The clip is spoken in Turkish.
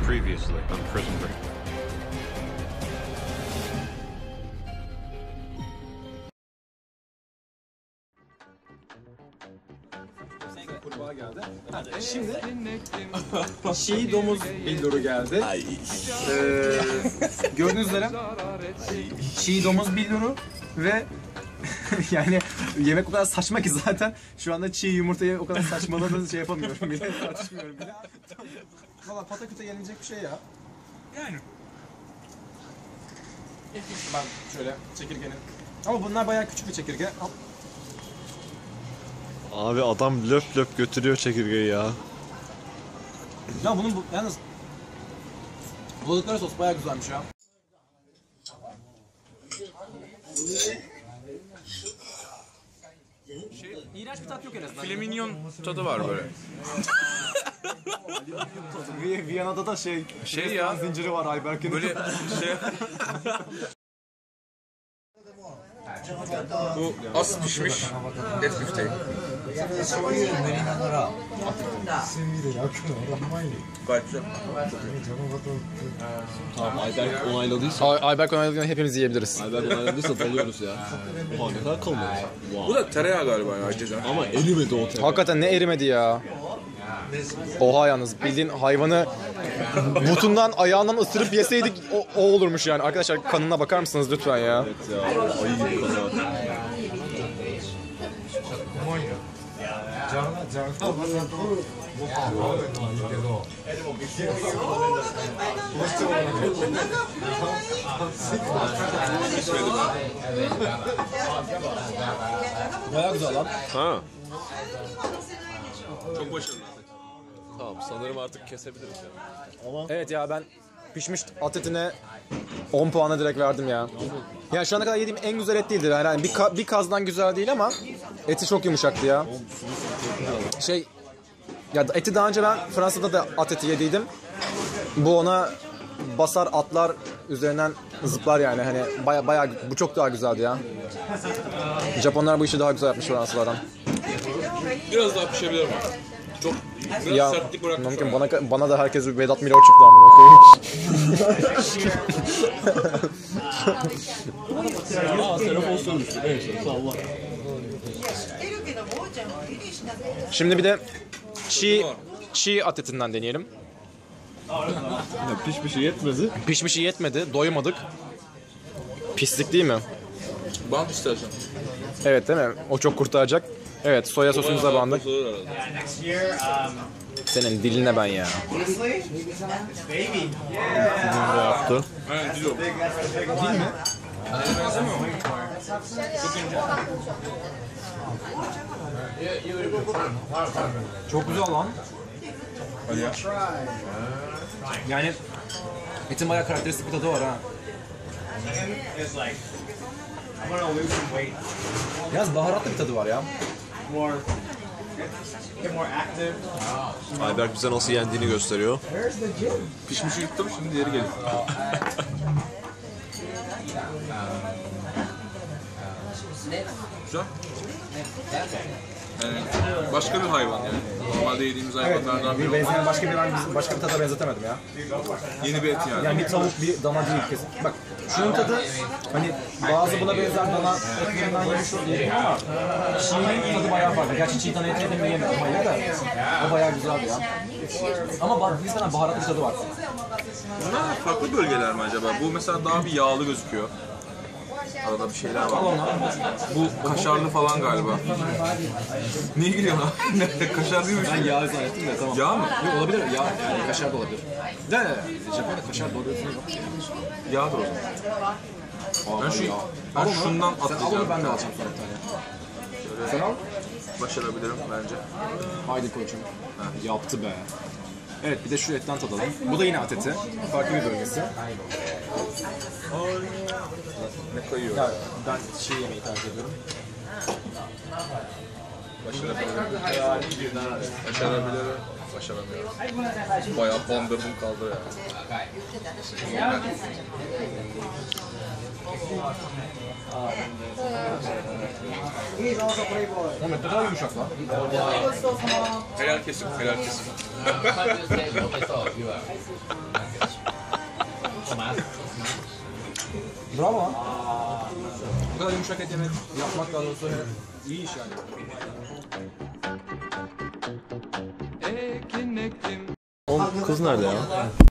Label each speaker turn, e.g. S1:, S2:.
S1: Previously on Prison Break.
S2: Geldi. Şimdi çiğ domuz billuru geldi. Gördüğünüz üzere çiğ domuz billuru ve yani yemek o kadar saçma ki zaten şu anda çiğ yumurtayı o kadar saçmaladığınızı şey yapamıyorum bile, tartışmıyorum bile. Valla pataküte yenilecek bir şey ya. Yani. Ben şöyle çekirgenin. Ama bunlar bayağı küçük bir çekirge.
S3: Abi adam löp löp götürüyor çekirgeyi ya.
S2: Ya bunun yalnız buldukları sos bayağı güzelmiş ya. İğrenç bir tat yok en azından.
S4: Flamingon tadı var böyle.
S2: Viyana'da da şey
S4: ya.
S2: Zinciri var Ayberk'in.
S4: Böyle şey. Bu az pişmiş et bifteği. Gayet güzel.
S3: Tamam Ayberk onayladıysa.
S2: Ayberk onayladığında hepimiz yiyebiliriz.
S3: Ayberk onayladıysa dalıyoruz ya. Oha ne kadar kalın.
S4: Bu da tereyağı galiba ya ceza.
S3: Ama erimedi o tereyağı.
S2: Hakikaten ne erimedi ya. Oha yalnız bildiğin hayvanı butundan ayağından ısırıp yeseydik o olurmuş yani. Arkadaşlar kanına bakar mısınız lütfen ya?
S3: Evet ya ayı gibi kanı var.
S2: Bayağı güzel lan.
S3: Ha.
S4: Çok başarılı.
S3: Tamam sanırım artık kesebiliriz ya.
S2: Evet ya ben pişmiş at etine 10 puana direkt verdim ya. Yani şu ana kadar yediğim en güzel et değildir. Yani bir kazdan güzel değil ama eti çok yumuşaktı ya. Ya eti daha önce ben Fransa'da da at eti yediydim. Bu ona basar atlar üzerinden zıplar yani hani bayağı bu çok daha güzeldi ya. Japonlar bu işi daha güzel yapmış Fransızlardan.
S4: Biraz daha pişebilir mi? Çok biraz
S2: Ya
S4: sertlik bırakmış.
S2: mümkün bana da herkes bir Vedat Milor çıktı amına koyayım.
S3: Telefon sönmüştü. Neyse salla.
S2: Şimdi bir de çiğ at etinden deneyelim.
S3: Pişmişi yetmedi.
S2: Pişmişi yetmedi, doymadık. Pislik değil mi?
S4: Bant istersen.
S2: Evet değil mi? O çok kurtaracak. Evet, soya sosumuza bandık. Senin diline ben ya.
S3: Ne yaptı?
S4: Aynen dil o.
S2: Dil mi? Çok güzel lan.
S4: Hadi ya.
S2: Yani etin bayağı karakteristik bir tadı var ha. Biraz baharatlı bir tadı var ya.
S3: Ayberk bize nasıl yendiğini gösteriyor.
S4: Pişmişi yuttum şimdi diğeri geliyor. Güzel. Yani başka bir hayvan yani. Normalde yediğimiz hayvanlardan biri.
S2: Başka bir tada benzetemedim ya.
S4: Yeni bir et yani.
S2: Yani bir tavuk, bir dana değil kesin. Bak şunun tadı hani bazı buna benzer dana etlerinden yemiş oluyor ama çiğnin tadı bayağı farklı. Gerçi çiğ dana eti yedim mi yemedim hayır da o bayağı güzeldi ya. Ama nispeten baharatlı bir tadı var.
S4: Bunlar farklı bölgeler mi acaba? Bu mesela daha bir yağlı gözüküyor. Arada bir şeyler var. Bu kaşarlı falan galiba. Niye gülüyorsun abi? Kaşar değil mi?
S2: Ben yağ zannettim de tamam.
S4: Yağ mı?
S2: Yok olabilir ya yani kaşar da olabilir. De Japonya'da kaşar doğruyorsunuz yok.
S4: Yağdır o zaman. Ben şundan
S2: Al onu
S4: atlayacağım.
S2: ben de alacağım sonra bir tane. Sen al.
S4: Başarabilirim bence.
S2: Haydi koçum. Yaptı be. Evet bir de şu etten tadalım. Bu da yine at eti. Farklı bir bölgesi.
S4: Ne kayıyor?
S2: Ya ben çiğ yemeği tercih ediyorum.
S4: Başarabilirim. Başarabilirim. başaramıyorum. Bayağı bandırdım kaldı ya.
S2: Ahmet ne kadar yumuşak lan.
S4: Helal kesim, helal kesim.
S2: Bravo lan. Bu kadar yumuşak et yemek yapmak daha doğrusu iyi iş yani.
S3: Oğlum kız nerede ya?